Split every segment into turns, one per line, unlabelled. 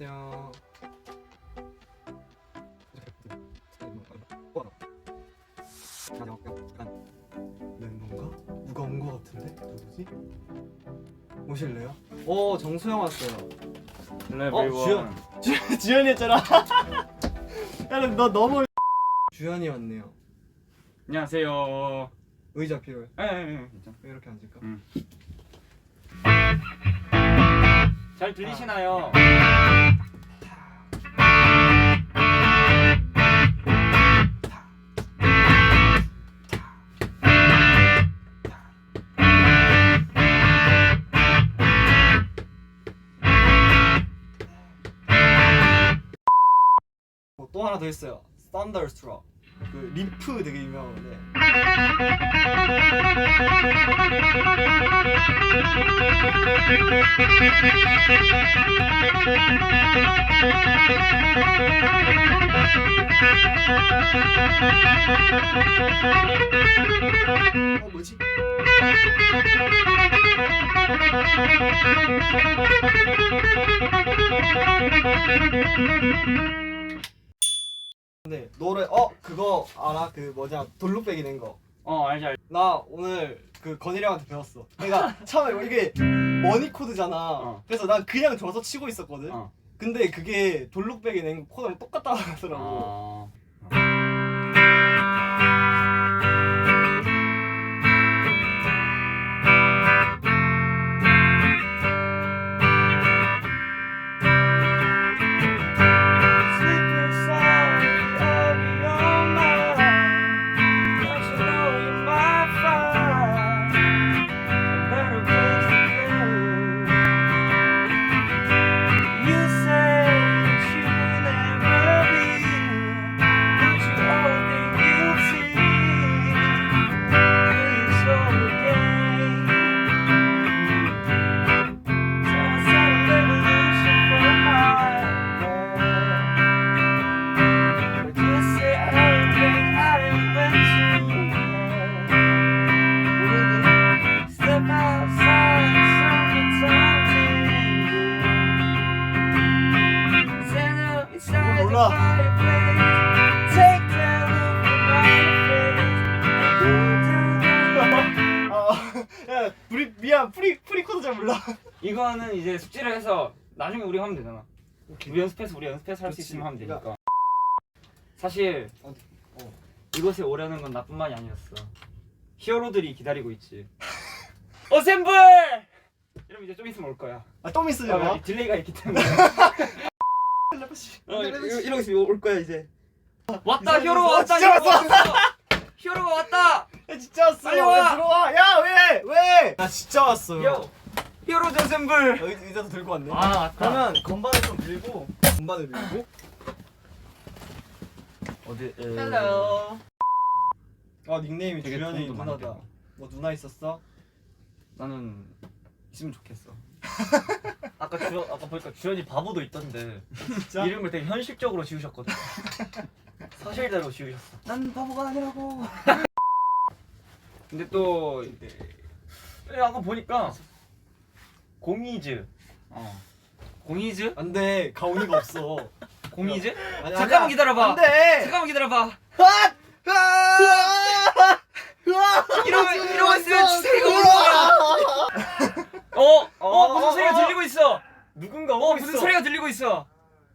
안녕하세요. 는 건가? 누가 온 거 같은데? 누구지? 오실래요? 오, 정수영 왔어요.
주현.
주현이 했잖아. 야, 너 너무 주현이 왔네요.
안녕하세요.
의자 필요해.
괜찮아.
이렇게 앉을까?
잘 들리시나요?
또 하나 더 있어요. Thunderstruck. 그 리프 되게 유명한데. 뭐지? 근데 노래 그거 알아? 그 뭐냐 돌루빼기 낸 거.
알지.
나 오늘 그 건일이 형한테 배웠어. 내가 처음에 이게 머니 코드잖아. 그래서 난 그냥 줘서 치고 있었거든. 근데 그게 돌루빼기 낸 코드랑 똑같다고 하더라고. 야, 미안. 프리 코드 잘 몰라.
이거는 이제 숙지를 해서 나중에 우리 하면 되잖아.
오케이.
우리 연습해서 할 수 있으면 하면 되니까.
그러니까.
사실 이곳에 오려는 건 나뿐만이 아니었어. 히어로들이 기다리고 있지. 어셈블! 이러면 이제 좀 있으면 올 거야.
좀 있으려나?
딜레이가 있기 때문에.
이러고 있으면 올 거야 이제.
왔다 히어로가 왔다.
진짜
히어로가 왔어. 히어로가 왔다.
야 진짜 왔어.
빨리 와.
들어와. 야 왜? 나 진짜 왔어요.
히어로 젠셈블.
의자도 들고 왔네.
맞다.
그러면 건반을 좀 밀고. 건반을 밀고.
어디?
헬로. 닉네임이
되게
주현이
도움도 많이
누나다.
되고.
뭐 누나 있었어?
나는 있으면 좋겠어.
아까 보니까 주현이 바보도 있던데
진짜?
이름을 되게 현실적으로 지으셨거든. 사실대로 지으셨어.
난 바보가 아니라고.
근데 또
아까 보니까 공이즈.
공이즈?
안돼 가온이가 없어.
공이즈?
아니,
잠깐만
아니야.
기다려봐.
안돼.
잠깐만 기다려봐.
이러고
이러고 있으면 주사위가 오는 거야. 무슨 소리가 들리고 있어.
누군가 오고
무슨
있어.
소리가 들리고 있어.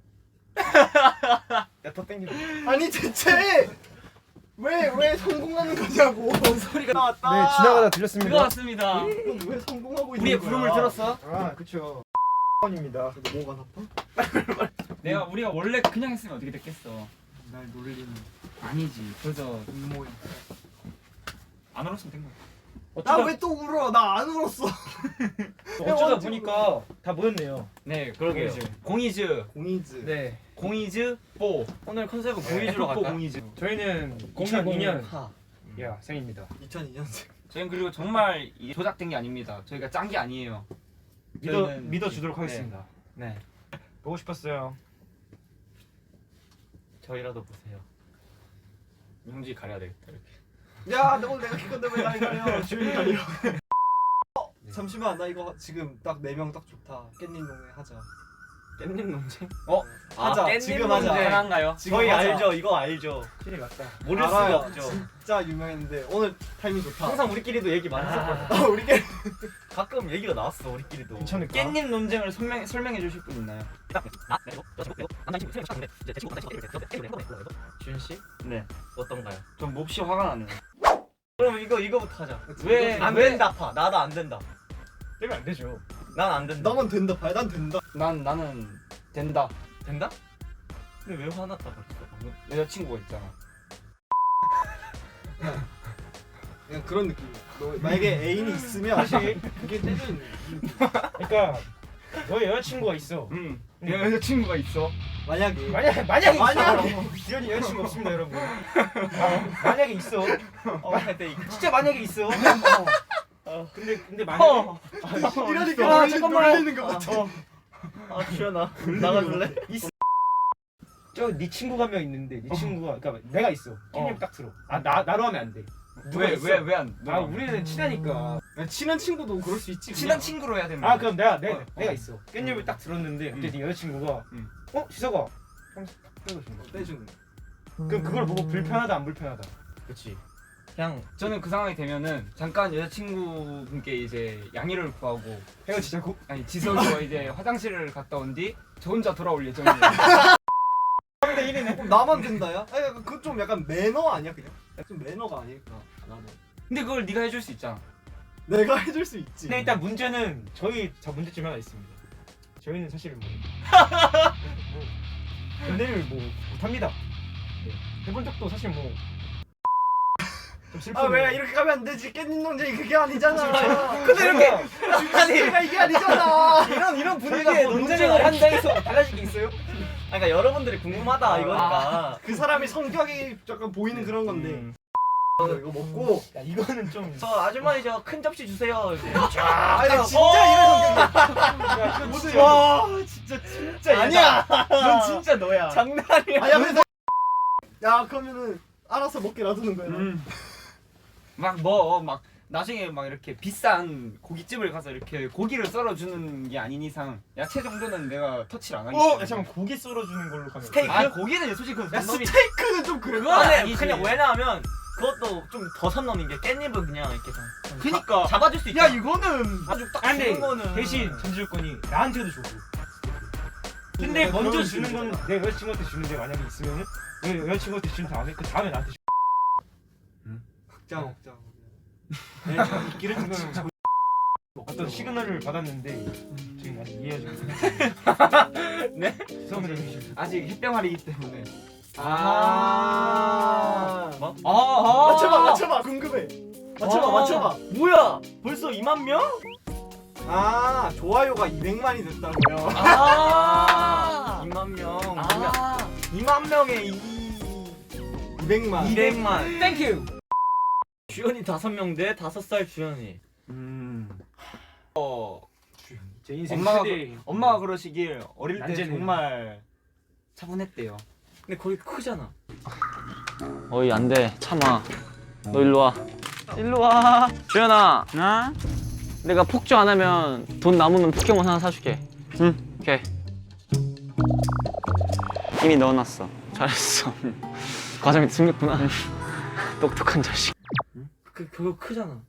야더 땡겨.
아니 대체 왜 성공하는 거냐고. 소리가 나왔다.
네, 지나가다 들렸습니다.
그거 같습니다.
이건 왜 성공하고 있는
우리의
거야?
부름을 들었어?
아, 그쵸. 입니다.
근데 뭐가 나빠?
우리가 원래 그냥 했으면 어떻게 됐겠어?
날 놀리는.
아니지. 그저 모양. 안 울었으면 된 거야.
나 왜 또 울어? 나 안 울었어.
어쩌다 보니까 다 모였네요.
네, 그러게요. 공이즈.
공이즈.
네. 공이즈 뽀. 오늘 컨셉은 공이즈로 갈까?
공이즈.
저희는 2002년
하.
생입니다.
2002년생.
저희는 그리고 정말 조작된 게 아닙니다. 저희가 짠 게 아니에요.
믿어주도록 하겠습니다.
네.
보고 싶었어요.
저희라도 보세요.
형지 가려야 되겠다 이렇게.
야, 너 내가 키건데 왜 날 가려? 주인이 가려. 잠시만, 나 이거 지금 딱 4명 딱 좋다. 깻잎 농에 하자.
깻잎 논쟁?
하자.
깻잎
지금 하자.
문제 하나인가요?
지금
저희
하자.
알죠? 이거 알죠?
필이 맞다.
모를
알아요.
수가 없죠.
진짜 유명했는데 오늘 타이밍 좋다.
항상 우리끼리도 얘기 많이 했었거든.
우리끼리
가끔 얘기가 나왔어 우리끼리도.
괜찮을까?
깻잎 논쟁을 설명해 주실 분 있나요?
준 씨?
네.
어떤가요?
전 몹시 화가 나네요.
그럼 이거부터 하자.
왜-
안
왜-
된다 파. 나도 안 된다.
되면 안 되죠.
난 안 된다.
나만 된다. 봐야 난 된다.
나는 된다.
된다? 근데 왜 화났다 그랬어 방금?
여자친구가 있잖아.
그냥 그런 느낌이야. 너 만약에 애인이 있으면
사실
그게 때리는
그러니까 너의 여자친구가 있어.
내가 여자친구가 있어.
만약에
만약에 있어.
만약에.
기현이 여자친구 없습니다 여러분. 만약에 있어.
근데
진짜 만약에 있어. 근데 만약에
이러니까
잠깐만.
놀리는 거 같아.
주연아 나가줄래?
저네 친구가 한 명 있는데 네 친구가 그러니까 내가 있어. 깻잎 딱 들어. 나로 하면 안 돼.
왜 안?
우리는 친하니까.
친한 친구도 그럴 수 있지.
친한
그냥.
친구로 해야 됩니다.
그럼 내가 있어. 깻잎을 딱 들었는데 그때 네 여자친구가 지석아 하면서 딱 빼주는 거야.
떼주는.
그럼 그걸 보고 불편하다 안 불편하다.
그렇지. 그냥
저는 그 상황이 되면은 잠깐 여자친구분께 이제 양해를 구하고
헤어지자고?
아니 지석이와 이제 화장실을 갔다 온 뒤 저 혼자 돌아올 예정이에요.
3대 1이네. 나만 된다야? 아니 약간 그건 좀 약간 매너 아니야 그냥? 좀 매너가 아닐까 나는.
근데 그걸 네가 해줄 수 있잖아.
내가 해줄 수 있지.
근데 일단 문제는 저 문제점 하나 있습니다. 저희는 사실 뭐 연애를 못합니다. 네. 해본 적도 사실 좀 슬프네요.
왜 이렇게 가면 안 되지? 깻잎 논쟁이 그게 아니잖아.
근데 이렇게
주제가 이게 아니잖아.
이런 분위기에
저희가 뭐
논쟁을
한다 해서 달라질 게 있어요?
그러니까 여러분들이 궁금하다 이거니까.
그 사람이 성격이 약간 보이는 그런 건데. 이거 먹고.
야, 이거는 좀
저 아주머니 저 큰 접시 주세요. 이제.
아니 진짜 이런 성격이야. 와 진짜
아니야.
넌 진짜 너야.
장난이야.
아야 그래서 야 그러면은 알아서 먹게 놔두는 거야.
막 나중에 막 이렇게 비싼 고깃집을 가서 이렇게 고기를 썰어주는 게 아닌 이상 야채 정도는 내가 터치를 안 하기 때문에.
야 잠깐 고기 썰어주는 걸로 가면
스테이크?
아 고기는 솔직히 그건
야
선 넘이
스테이크는 좀 그래.
그건
아니
아니지.
그냥 왜냐하면 그것도 좀 더 선 넘는 게 깻잎은 그냥 이렇게 좀
그니까.
잡아줄 수 있다.
야 이거는
아주 딱
근데
주는 거는
대신 전주권이 나한테도 주고. 근데
네,
먼저
그런
주는
식으로.
건 내 여자친구한테 주는데 만약에 있으면은 내 여자친구한테 준 다음에 그 다음에 나한테 주.
먹자 먹자.
이런 거는 어떤 시그널을 받았는데 지금 아직 이해하지 못해요.
네?
죄송합니다 형님.
아직 햇병아리이기 때문에.
뭐?
맞춰봐 궁금해. 맞춰봐.
뭐야? 벌써 2만 명?
아 좋아요가 200만이 됐다고요.
2만 명.
2만 명에 200만.
200만.
땡큐.
주연이 5명 대 5살 주연이.
제 인생
엄마가 그러시길 어릴 때
난제네요.
정말 차분했대요.
근데 거기 크잖아.
어이 안돼 참아 너 일로와 일로와 주연아 나? 내가 폭주 안 하면 돈 남으면 포켓몬 하나 사줄게 응 오케이 이미 넣어놨어 잘했어 과자 밑에 숨겼구나 똑똑한 자식
그거 크잖아.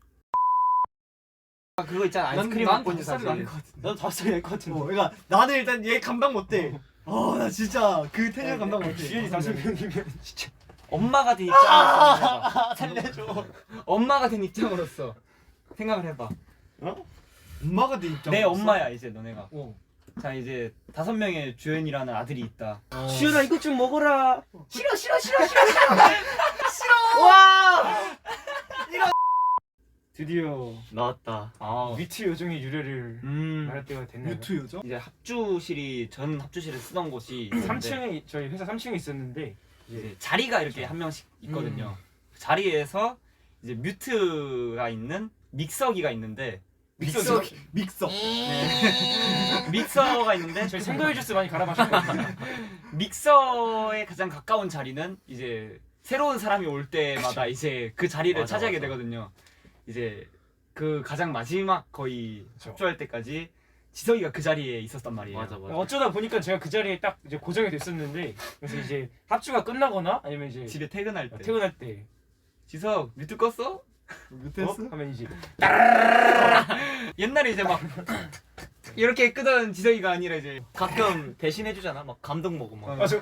그거 있잖아 아이스크림
난
먹고 있는
다섯 살이
사진.
아닐 것 같은데.
나도 5살이 될 것 같은데.
그러니까 나는 일단 얘 감당 못해. 나 진짜 그 텐션 감당 못해.
주연이 5명이면 진짜
엄마가 된 입장으로서
살려줘.
엄마가 된 입장으로서 생각을 해봐.
엄마가 내 입장.
내 엄마야 이제 너네가.
어.
자 이제 5명의 주연이라는 아들이 있다.
주연아 이것 좀 먹어라.
싫어. 와.
드디어
나왔다.
위트 요정의 유래를 말할 때가 됐나요?
유튜 요정?
이제 전 합주실을 쓰던 곳이 있는데
3층에 저희 회사 3층에 있었는데
이제 자리가 이렇게 한 명씩 있거든요. 그 자리에서 이제 뮤트가 있는 믹서기가 있는데
믹서.
믹서가 있는데
저희 생과일 주스 많이 갈아 마셨거든요.
믹서에 가장 가까운 자리는 이제 새로운 사람이 올 때마다 이제 그 자리를
맞아,
차지하게
맞아.
되거든요. 이제 그 가장 마지막 거의
그쵸.
합주할 때까지 지석이가 그 자리에 있었단 말이에요.
맞아 맞아.
어쩌다 보니까 제가 그 자리에 딱 이제 고정이 됐었는데 그래서 이제 합주가 끝나거나 아니면 이제
집에 퇴근할 때.
퇴근할 때
지석 뮤트 껐어?
뮤트
어?
했어?
하면 이제
옛날에 이제 막 이렇게 끄던 지석이가 아니라 이제
가끔 대신해주잖아. 막 감동 먹고 막.
아 저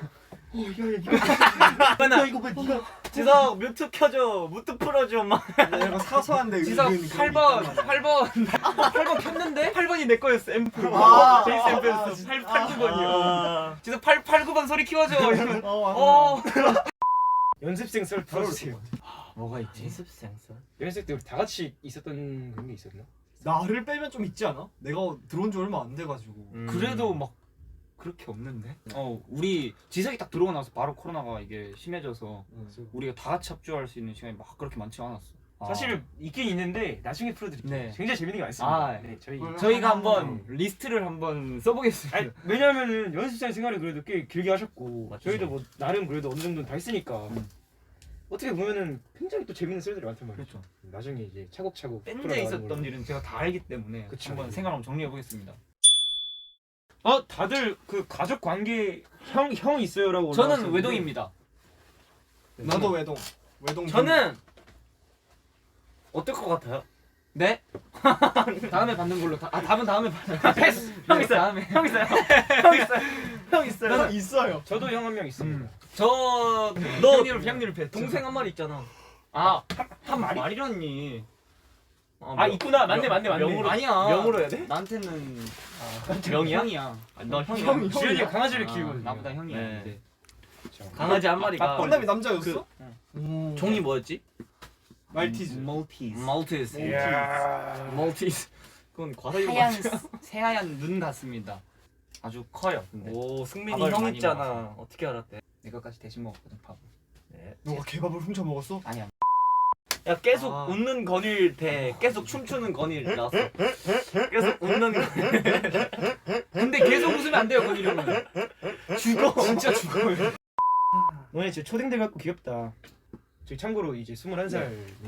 맨날 이거 왜 니가 지석 뮤트 켜줘, 뮤트 풀어줘 막.
이거 사소한데
지석
은근 그런 게
8번
있단 말이야.
8번 켰는데 8번이 내 거였어. 앰프.
아,
베이스
아,
앰프였어. 8 9번이요.
아,
지석 8 9번 소리 키워줘. 이러면
어,
연습생 썰 풀어주세요.
뭐가 있지?
연습생 썰.
연습생 때 우리 다 같이 있었던 그런 게 있었나?
나를 빼면 좀 있지 않아? 내가 들어온 지 얼마 안 돼가지고.
그래도 막 그렇게 없는데? 우리 지석이 딱 들어오고 나서 바로 코로나가 이게 심해져서 우리가 다 같이 합주할 수 있는 시간이 막 그렇게 많지 않았어.
사실 있긴 있는데 나중에 풀어드릴게요.
네.
굉장히 재밌는 게 많습니다.
아,
네, 저희
저희가 한번 리스트를 한번 써보겠습니다.
아니, 왜냐면은 연습생 생활을 그래도 꽤 길게 하셨고
맞죠.
저희도 뭐 나름 그래도 어느 정도는 다 했으니까 어떻게 보면은 굉장히 또 재밌는 썰들이 많단 말이죠.
그렇죠.
나중에 이제 차곡차곡
밴드에
풀어나가는
있었던
걸로.
일은 제가 다 알기 때문에
그쵸.
한번 생각 한번 정리해 보겠습니다.
다들 그 가족 관계 형 있어요라고
저는
올라왔었는데
외동입니다.
나도 외동. 외동.
저는 어떨 것 같아요?
네? 다음에 받는 걸로. 답은 다음에 받는.
패스!
형 있어요. 다음에.
형 있어요. 형 있어요. 형 있어요.
저는 있어요.
저도 형 한 명 있습니다.
너
형님을 뵀.
동생 한 마리 있잖아.
한 말이라니.
아 있구나. 맞네.
명으로
아니야.
명으로 해야 돼?
나한테는
명이야?
형이야.
너 형이야.
형이.
주현이
형이야.
강아지를 키우고
나보다 형이야.
네.
이제.
강아지 한 마리가
혼남이 남자였어?
종이 뭐였지?
말티즈.
maltese.
이야.
maltese.
그건 과사유
하얀
맞아.
새하얀 눈 같습니다. 아주 커요. 근데
오, 승민이
밥을
형
많이
있잖아.
먹어서.
어떻게 알았대?
내 것까지 대신 먹었거든 밥을.
너가 개밥을 훔쳐 먹었어?
아니야.
야 계속
아.
웃는 건일 대 계속 춤추는 건일 나왔어. 계속 웃는 건일.
근데 계속 웃으면 안 돼요, 그 이름은.
죽어.
진짜 죽어요.
너네 진짜 초딩들 같고 귀엽다. 저희 참고로 이제 21살.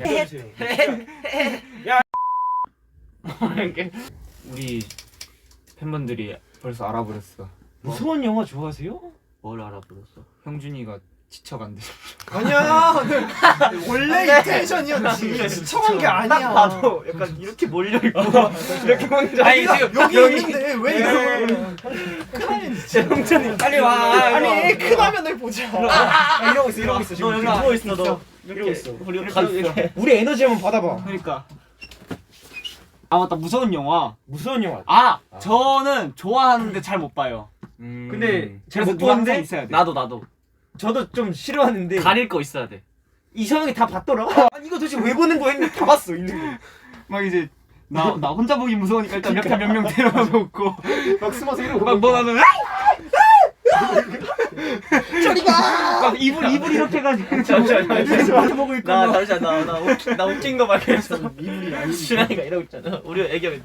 우리 팬분들이 벌써 알아버렸어.
무서운 영화 좋아하세요?
뭘 알아버렸어?
형준이가 지쳐간대.
아니야. 원래 이 텐션이었지. 지쳐간 게 아니야.
봐도 약간 이렇게 몰려 있고 이렇게 혼자.
아니 지금
여기 있는데 왜 이러고? 크나면 진짜.
형준이 빨리 와.
아니 크나면을 보자.
이러고 있어
너 여기 누워 있어 너.
이러고 있어.
우리 가 있어.
우리 에너지 한번 받아봐.
그러니까. 아 맞다, 무서운 영화.
무서운 영화.
저는 좋아하는데 잘 못 봐요.
근데 잘
그래서
못
누가 항상
보는데
있어야 돼.
나도
저도 좀 싫어하는데
가릴 거 있어야 돼.
이상하게 다 봤더라. 아니 이거 도대체 왜 보는 거야 했는데 다 봤어 있는 거.
막 이제 나 혼자 보기 무서우니까 일단 옆에 몇 명 데려가 놓고
막 숨어서 이러고.
막 뭐 하면 저리 가! 막 입을 이렇게 해가지고
잠시만.
보고 있고
나
막.
잠시만 나 웃긴 거 발견했어. 준환이가 이러고 있잖아. 우리 애기가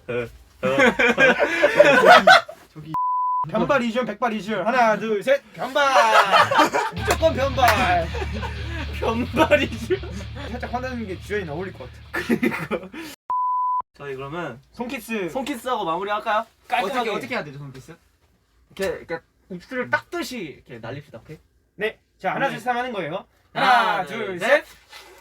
변발 이준 백발 이준 하나 둘 셋 변발. 무조건 변발.
변발이지.
살짝 화나는 게 주연이 어울릴 것 같아.
저희 그러면
손키스.
손키스하고 마무리할까요?
어떻게 해야 되죠, 손키스?
이렇게 입술을 닦듯이 이렇게 날립시다. 오케이?
네. 자 하나 둘 셋 하는 거예요.
하나,
하나
둘,
둘
셋.
셋.